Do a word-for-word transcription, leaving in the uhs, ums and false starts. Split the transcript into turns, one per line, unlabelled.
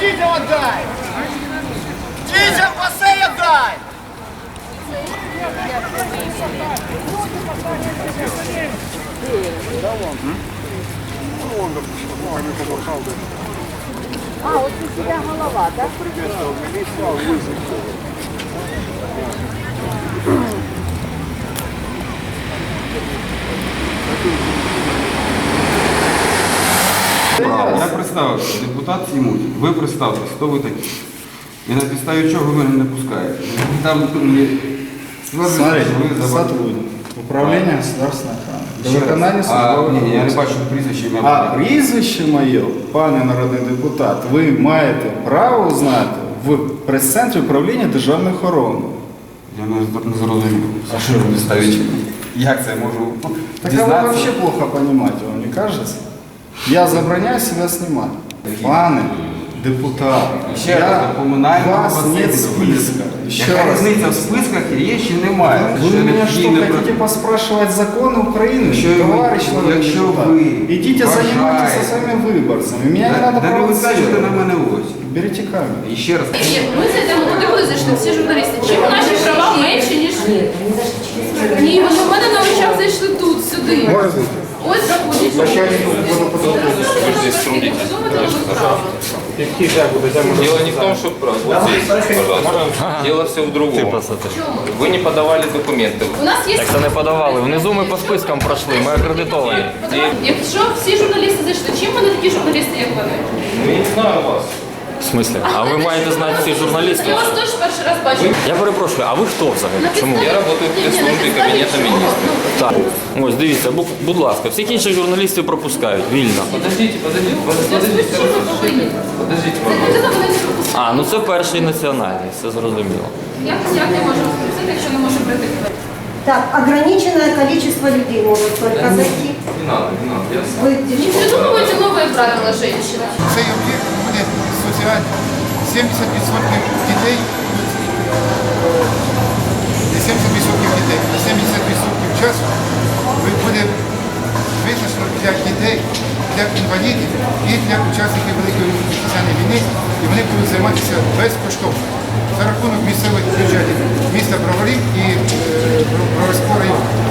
дітям отдай! Дітям басейн отдай!
А, от у тебя голова, так?
Я представився, депутат Сімуть. Ви представтесь, хто ви такі? І на підставі чого ви мене не пускаєте? Там
Смотрите, сотрудник управління государственної охорони. До виконання службових
Ні, я не
обов'язків.
бачу прізвище ім'я.
А прізвище моє, пане народний депутат, ви маєте право знати в прес-центрі управління державної охорони.
Я не, не зрозумів. А що ви на підставі чого? Як це я можу
Так а вы
дізнатися?
вообще плохо понимаете, вам не кажется? Я забороняю себя снимать. Пане депутат,
Ще раз,
я
до комунального
вас
басейну.
нет списка. Еще
Яка
раз.
різниця в списках є чи немає?
Вы
Ще
у
не
меня что,
дійсно
хотите
про-
поспрашивать законы Украины,
Якщо ви-
товарищ народный
якщо
депутат?
ви
Идите занимайтесь со
вважаєте-
своими выборцами. Меня не надо
Да не ви кажете на
провоцировать.
мене ось.
Берите камеру.
І ще раз.
Ми зайдемо туди, коли зайшли всі журналісти. Чим наші права менші, ніж ні? Ні, вони в мене на очах зайшли тут, сюди. Ось заходять.
Дело не в том, что вот здесь, пожалуйста. Дело все в другом. Вы не подавали документы.
У нас є...
Так це не подавали. Внизу ми по спискам пройшли, ми акредитовані.
Якщо всі журналісти зайшли, чим вони такі журналісти, як вони?
Ну, я не знаю вас.
В смислі? А ви маєте знати всіх журналістів?
Я вас теж перший раз бачу.
Я перепрошую, а ви хто взагалі? Чому?
Я работаю в
Ні, ні, на
пресс-службе
підставі
Кабинета
чого?
министров.
Так. Ось дивіться, бу- будь ласка, всіх інших журналістів пропускають вільно.
Подождите, подождите,
Ну,
подождите.
що ви повинні?
Подождите,
Це
пожалуйста.
людина мене не пропустила.
А, ну це перший національний, все зрозуміло.
Як, як я можу пропустити, якщо не можу прийти?
Так, ограниченное количество людей может только зайти.
Не надо, не надо. Я сам.
Вы
Не придумывайте новые правила, женщина.
Цей об'єкт буде соціальний. сімдесят відсотків дітей, не сімдесят відсотків дітей, а сімдесят відсотків часу буде визначено для дітей, для інвалідів і для учасників Великої Вітчизняної війни, і вони будуть займатися безкоштовно за рахунок місцевих бюджетів міста Броварів і е, Броварського району.